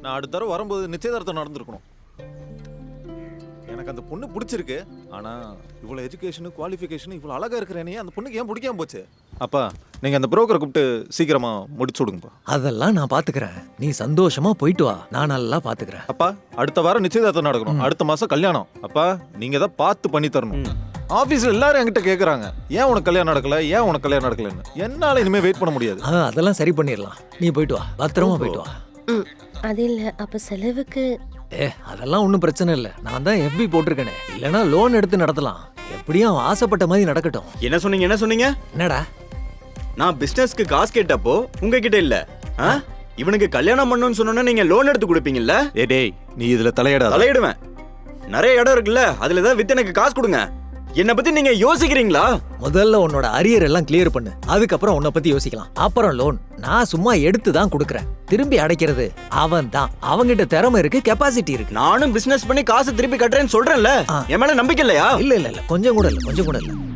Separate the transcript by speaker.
Speaker 1: நான் அடுத்த தடவை வரும்போது நிச்சயதார்த்தம் நடந்திருக்கணும். எனக்கு அந்த பொண்ணு பிடிச்சிருக்கு. ஆனா இவ்வளவு எஜுகேஷன் குவாலிஃபிகேஷன் இவ்வளவு அழகா இருக்கிறேனே அந்த பொண்ணுக்கு ஏன் பிடிக்காம போச்சு? அப்பா நீங்க அந்த புரோக்கரை கூப்பிட்டு சீக்கிரமா முடிச்சு விடுங்கப்பா.
Speaker 2: அதெல்லாம் நான் பாத்துக்கிறேன். நீ சந்தோஷமா போயிட்டு வா, நான் நல்லா பாத்துக்கிறேன்.
Speaker 1: அப்பா அடுத்த வாரம் நிச்சயதார்த்தம் நடக்கணும். அடுத்த மாசம் கல்யாணம். அப்பா நீங்க தான் பார்த்து பண்ணி தரணும். ஆபீஸ்ல எல்லாரும் என்கிட்ட கேக்குறாங்க, ஏன் உனக்கு கல்யாணம் நடக்கல, ஏன் உனக்கு கல்யாணம் நடக்கலன்னு. என்னால இனிமே வெயிட் பண்ண முடியாது.
Speaker 2: அதெல்லாம் சரி பண்ணிடலாம். நீ போயிட்டு வா, பத்திரமா போயிட்டு வா.
Speaker 3: அது இல்ல, அப்ப செலவுக்கு
Speaker 2: அதெல்லாம் ஒன்றும் பிரச்சனை இல்லை. நான் தான் FB போட்டிருக்கேனே, இல்லைன்னா லோன் எடுத்து நடத்தலாம். எப்படியும் அவன் ஆசைப்பட்ட மாதிரி நடக்கட்டும்.
Speaker 4: என்ன சொன்னீங்க?
Speaker 2: என்னடா?
Speaker 4: நான் பிசினஸ்க்கு காசு கேட்டப்போ உங்ககிட்ட இல்ல. இவனுக்கு கல்யாணம் பண்ணணும்னு சொன்னோன்னா நீங்க லோன் எடுத்து கொடுப்பீங்கல்ல?
Speaker 1: டேய் நீ இதுல தலையிடாத.
Speaker 4: தலையிடுவேன். நிறைய இடம் இருக்குல்ல, அதுல ஏதாவது வித்து எனக்கு காசு கொடுங்க. என்ன பத்தி நீங்க யோசிக்கிறீங்களா?
Speaker 2: முதல்ல உன்னோட அரியர் எல்லாம் கிளியர் பண்ணு, அதுக்கப்புறம் உன்னை பத்தி யோசிக்கலாம். அப்புறம் லோன் நான் சும்மா எடுத்து தான் கொடுக்கறேன். திரும்பி அடைக்கிறது அவன் தான். அவங்கிட்ட திறமை இருக்கு, கெப்பாசிட்டி இருக்கு.
Speaker 4: நானும் பிசினஸ் பண்ணி காசு திருப்பி கட்டுறேன்னு சொல்றேன்ல, என் மேல நம்பிக்கை இல்லையா?
Speaker 2: இல்ல கொஞ்சம் கூட இல்ல.